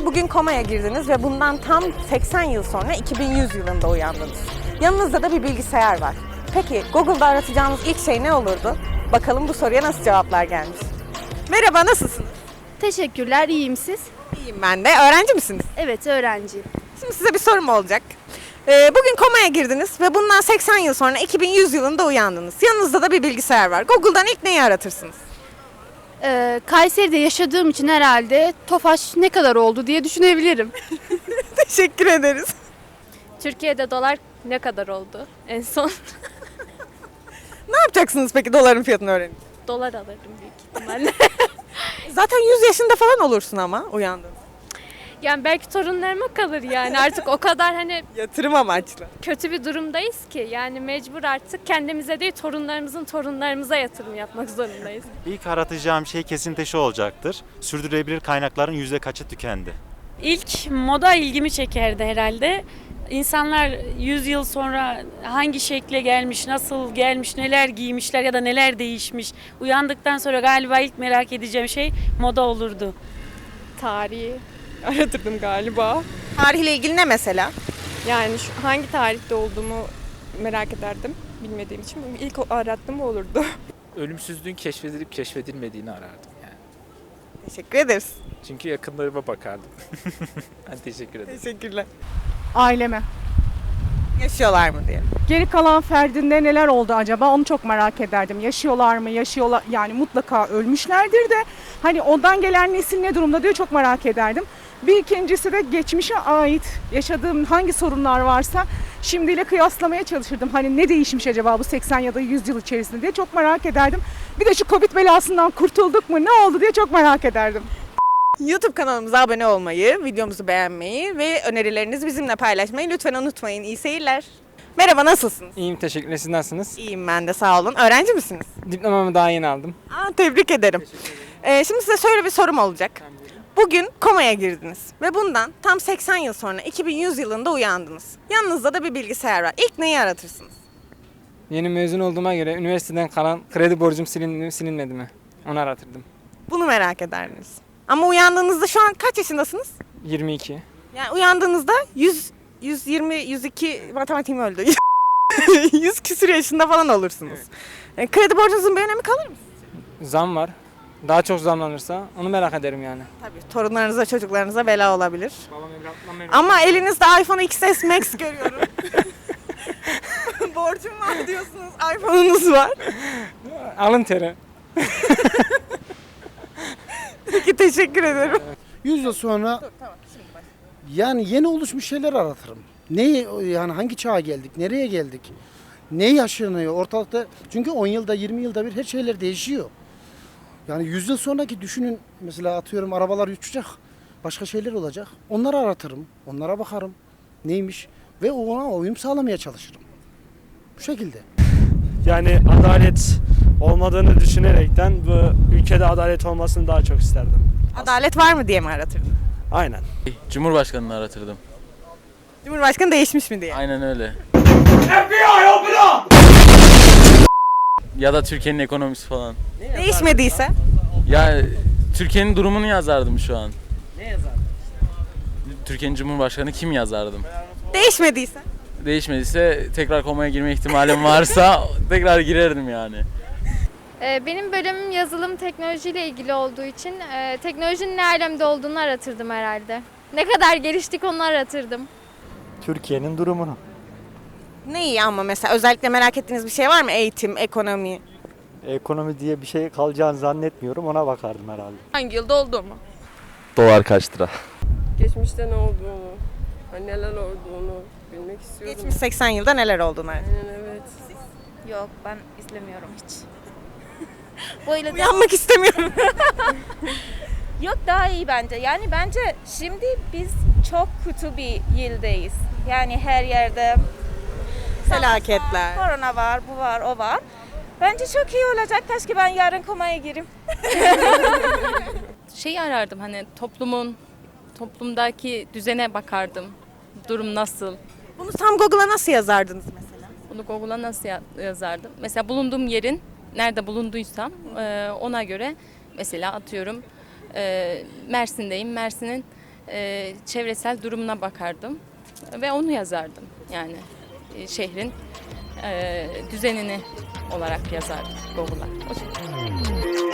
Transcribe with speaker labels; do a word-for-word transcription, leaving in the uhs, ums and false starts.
Speaker 1: ki bugün komaya girdiniz ve bundan tam seksen yıl sonra iki bin yüz yılında uyandınız. Yanınızda da bir bilgisayar var. Peki Google'da aratacağınız ilk şey ne olurdu? Bakalım bu soruya nasıl cevaplar gelmiş. Merhaba, nasılsınız?
Speaker 2: Teşekkürler, iyiyim siz?
Speaker 1: İyiyim ben de. Öğrenci misiniz?
Speaker 2: Evet, öğrenciyim.
Speaker 1: Şimdi size bir sorum olacak. Ee, bugün komaya girdiniz ve bundan seksen yıl sonra iki bin yüz yılında uyandınız. Yanınızda da bir bilgisayar var. Google'dan ilk neyi aratırsınız?
Speaker 2: Ee, Kayseri'de yaşadığım için herhalde Tofaş ne kadar oldu diye düşünebilirim.
Speaker 1: Teşekkür ederiz.
Speaker 3: Türkiye'de dolar ne kadar oldu en son?
Speaker 1: Ne yapacaksınız peki doların fiyatını öğrenin?
Speaker 3: Dolar alırım büyük ihtimalle.
Speaker 1: Zaten yüz yaşında falan olursun ama uyandığınız.
Speaker 3: Yani belki torunlarıma kalır yani artık o kadar hani
Speaker 1: Yatırım amaçlı.
Speaker 3: kötü bir durumdayız ki yani mecbur artık kendimize değil torunlarımızın torunlarımıza yatırım yapmak zorundayız.
Speaker 4: İlk aratacağım şey kesinlikle şu olacaktır. Sürdürülebilir kaynakların yüzde kaçı tükendi?
Speaker 5: İlk moda ilgimi çekerdi herhalde. İnsanlar yüz yıl sonra hangi şekle gelmiş, nasıl gelmiş, neler giymişler ya da neler değişmiş. Uyandıktan sonra galiba ilk merak edeceğim şey moda olurdu.
Speaker 6: Tarihi aratırdım galiba.
Speaker 1: Tarihle ilgili ne mesela?
Speaker 6: Yani şu, hangi tarihte olduğumu merak ederdim bilmediğim için. İlk o- arattığım o olurdu.
Speaker 7: Ölümsüzlüğün keşfedilip keşfedilmediğini arardım yani.
Speaker 1: Teşekkür ederiz.
Speaker 7: Çünkü yakınlarıma bakardım. Ben teşekkür ederim.
Speaker 1: Teşekkürler.
Speaker 8: Aileme.
Speaker 1: Yaşıyorlar mı diye.
Speaker 8: Geri kalan ferdinde neler oldu acaba onu çok merak ederdim. Yaşıyorlar mı? Yaşıyorlar yani mutlaka ölmüşlerdir de hani ondan gelen nesil ne durumda diye çok merak ederdim. Bir ikincisi de geçmişe ait yaşadığım hangi sorunlar varsa şimdiyle kıyaslamaya çalışırdım. Hani ne değişmiş acaba bu seksen ya da yüz yıl içerisinde diye çok merak ederdim. Bir de şu Covid belasından kurtulduk mu ne oldu diye çok merak ederdim.
Speaker 1: YouTube kanalımıza abone olmayı, videomuzu beğenmeyi ve önerilerinizi bizimle paylaşmayı lütfen unutmayın. İyi seyirler. Merhaba, nasılsınız?
Speaker 9: İyiyim, teşekkürler. Siz nasılsınız?
Speaker 1: İyiyim ben de, sağ olun. Öğrenci misiniz?
Speaker 9: Diplomamı daha yeni aldım.
Speaker 1: Aa, tebrik ederim. Ee, şimdi size şöyle bir sorum olacak. Bugün komaya girdiniz ve bundan tam seksen yıl sonra iki bin yüz yılında uyandınız. Yanınızda da bir bilgisayar var. İlk neyi aratırsınız?
Speaker 9: Yeni mezun olduğuma göre üniversiteden kalan kredi borcum silindi mi silinmedi mi? Onu aratırdım.
Speaker 1: Bunu merak ederdiniz. Ama uyandığınızda şu an kaç yaşındasınız?
Speaker 9: yirmi iki.
Speaker 1: Yani uyandığınızda yüz, yüz yirmi, yüz iki matematiğim öldü. yüz küsür yaşında falan olursunuz. E, kredi borcunuzun bir önemi kalır mı?
Speaker 9: Zam var. Daha çok zamlanırsa onu merak ederim yani.
Speaker 1: Tabii torunlarınıza, çocuklarınıza bela olabilir.
Speaker 9: Babam evlatlam
Speaker 1: Ama elinizde iPhone X S Max görüyorum. Borcum var diyorsunuz, iPhone'unuz var.
Speaker 9: Alın teri.
Speaker 1: Peki, teşekkür ederim.
Speaker 10: yüz yıl sonra yani yeni oluşmuş şeyler aratırım. Neyi yani hangi çağa geldik, nereye geldik? Ne yaşanıyor ortalıkta? Çünkü on yılda yirmi yılda bir her şeyler değişiyor. Yani yüz yıl sonraki düşünün, mesela atıyorum arabalar uçacak. Başka şeyler olacak. Onları aratırım. Onlara bakarım. Neymiş? Ve ona uyum sağlamaya çalışırım. Bu şekilde.
Speaker 11: Yani adalet olmadığını düşünerekten bu ülkede adalet olmasını daha çok isterdim.
Speaker 1: Adalet var mı diye mi aratırdın?
Speaker 11: Aynen.
Speaker 12: Cumhurbaşkanını aratırdım.
Speaker 1: Cumhurbaşkanı değişmiş mi diye.
Speaker 12: Aynen öyle. Ya da Türkiye'nin ekonomisi falan.
Speaker 1: Değişmediyse?
Speaker 12: Ya Türkiye'nin durumunu yazardım şu an. Ne yazardın? Türkiye'nin Cumhurbaşkanı kim yazardım?
Speaker 1: Değişmediyse?
Speaker 12: Değişmediyse tekrar komaya girme ihtimalim varsa tekrar girerdim yani.
Speaker 3: Benim bölümüm yazılım teknolojiyle ilgili olduğu için e, teknolojinin ne alemde olduğunu aratırdım herhalde. Ne kadar geliştik onu aratırdım.
Speaker 4: Türkiye'nin durumunu.
Speaker 1: Ne iyi ama mesela özellikle merak ettiğiniz bir şey var mı? Eğitim, ekonomi.
Speaker 4: Ekonomi diye bir şey kalacağını zannetmiyorum, ona bakardım herhalde.
Speaker 6: Hangi yılda olduğumu?
Speaker 12: Dolar kaç lira?
Speaker 6: Geçmişte ne olduğunu, hani neler olduğunu bilmek istiyorum.
Speaker 1: Geçmiş seksen yılda neler olduğunu.
Speaker 6: Aynen, evet.
Speaker 2: Yok, ben izlemiyorum hiç. Böyle
Speaker 1: Uyanmak istemiyorum.
Speaker 2: Yok, daha iyi bence. Yani bence şimdi biz çok kötü bir yıldayız. Yani her yerde
Speaker 1: Felaketler.
Speaker 2: korona var, bu var, o var. Bence çok iyi olacak. Keşke ben yarın komaya gireyim.
Speaker 3: Şeyi arardım hani toplumun, toplumdaki düzene bakardım. Durum nasıl?
Speaker 1: Bunu tam Google'a nasıl yazardınız mesela?
Speaker 3: Bunu Google'a nasıl ya- yazardım? Mesela bulunduğum yerin nerede bulunduysam e, ona göre mesela atıyorum e, Mersin'deyim. Mersin'in
Speaker 13: e, çevresel durumuna bakardım ve onu yazardım. Yani e, şehrin e, düzenini olarak yazardım Google'a. O şekilde.